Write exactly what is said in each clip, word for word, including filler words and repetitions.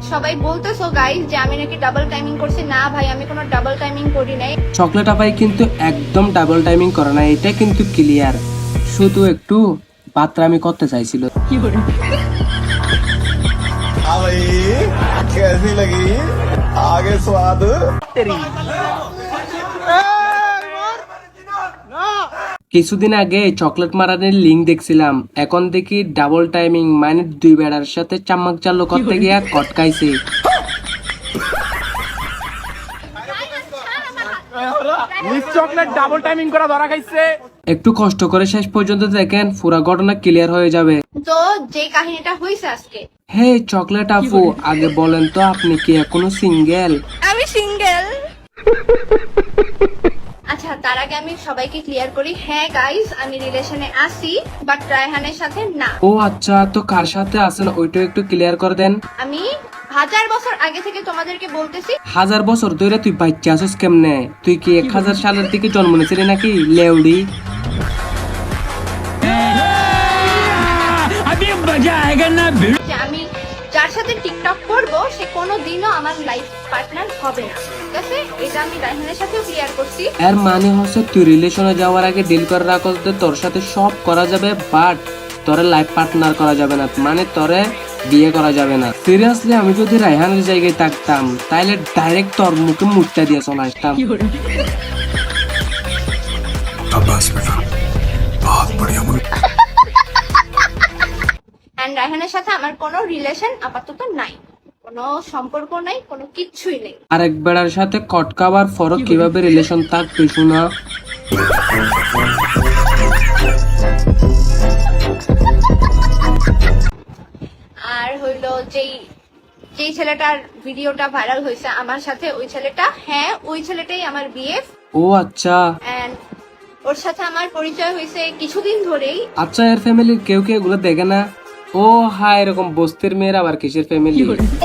সবাই বলতেছো গাইস যে আমি নাকি ডাবল টাইমিং করছি। না ভাই, আমি কোনো ডাবল টাইমিং করি নাই। চকলেট আপাই কিন্তু একদম ডাবল টাইমিং করে না, এটা কিন্তু ক্লিয়ার। শুধু একটু বাতরামি করতে চাইছিল। हाँ भाई कैसी लगी आगे स्वाद কিছুদিন আগে চকলেট মারানের লিঙ্ক দেখছিলাম, এখন দেখি ডাবল টাইমিং মানে দুই বেড়ার সাথে চাম্মাক চাল্লো করতে গিয়া কটকাইছে। চকলেট ডাবল টাইমিং করা ধরা খাইছে। একটু কষ্ট করে শেষ পর্যন্ত দেখেন, পুরা ঘটনা ক্লিয়ার হয়ে যাবে। তো যে কাহিনীটা হয়েছে আজকে, হে চকলেট আপু, আগে বলেন তো আপনি কি এখনো সিঙ্গেল? আমি সিঙ্গেল। আচ্ছা, তার আগে আমি সবাইকে ক্লিয়ার করি, হ্যাঁ গাইস আমি রিলেশনে আছি, বাট রায়হানের সাথে না। ও আচ্ছা, তো কার সাথে আছেন ওইটা একটু ক্লিয়ার করে দেন। আমি হাজার বছর আগে থেকে তোমাদেরকে বলতেছি। হাজার বছর ধরে তুই বাচ্চা আছিস কেমনে? তুই কি এক হাজার সালের দিকে জন্ম নিয়েছিলি নাকি লেউডি? যে আমি যার সাথে টিকটক করব সে কোনোদিনও আমার লাইফ পার্টনার হবে না, ঠিক আছে? এটা আমি রায়হানের সাথেও ক্লিয়ার করছি। এর মানে হচ্ছে তুই রিলেশনে যাওয়ার আগে ডিল করে রাখো যে তোর সাথে সব করা যাবে, বাট তোরে লাইফ পার্টনার করা যাবে না, মানে তোরে বিয়ে করা যাবে না। সিরিয়াসলি আমি যদি রায়হানের জায়গায় থাকতাম তাইলে ডাইরেক্ট তোর মুখে মুখটা দিয়ে চলে আসতাম। এন্ড রায়হানের সাথে আমার কোনো রিলেশন আপাতত নাই, কোনো সম্পর্ক নাই, কোনো কিচ্ছুই নেই। আরেক বেড়ার সাথে কটকাবার ফরক কিভাবে রিলেশন থাকবে শোনা? আর হইলো যেই যেই ছেলেটার ভিডিওটা ভাইরাল হয়েছে আমার সাথে, ওই ছেলেটা, হ্যাঁ ওই ছেলেটাই আমার বিএফ। ও আচ্ছা এন্ড ওর সাথে আমার পরিচয় হয়েছে কিছুদিন ধরেই। আচ্ছা, এর ফ্যামিলির কেউ কেউ এগুলো দেখে না? ও হ্যাঁ, এরকম বস্তির মেয়ের আবার কিসের ফ্যামিলি?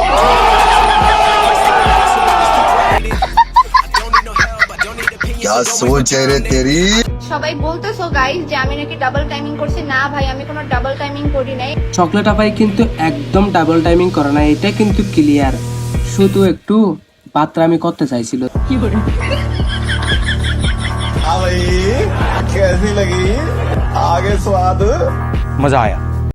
क्या सोच है रे तेरी সবাই বলতেছো গাইস যে আমি নাকি ডাবল টাইমিং করছি। না ভাই, আমি কোনো ডাবল টাইমিং করি নাই। চকলেট আপাই কিন্তু একদম ডাবল টাইমিং করে না, এটা কিন্তু ক্লিয়ার। শুধু একটু বাতরামি করতে চাইছিল। हाँ भाई कैसी लगी आगे स्वाद मजा आया।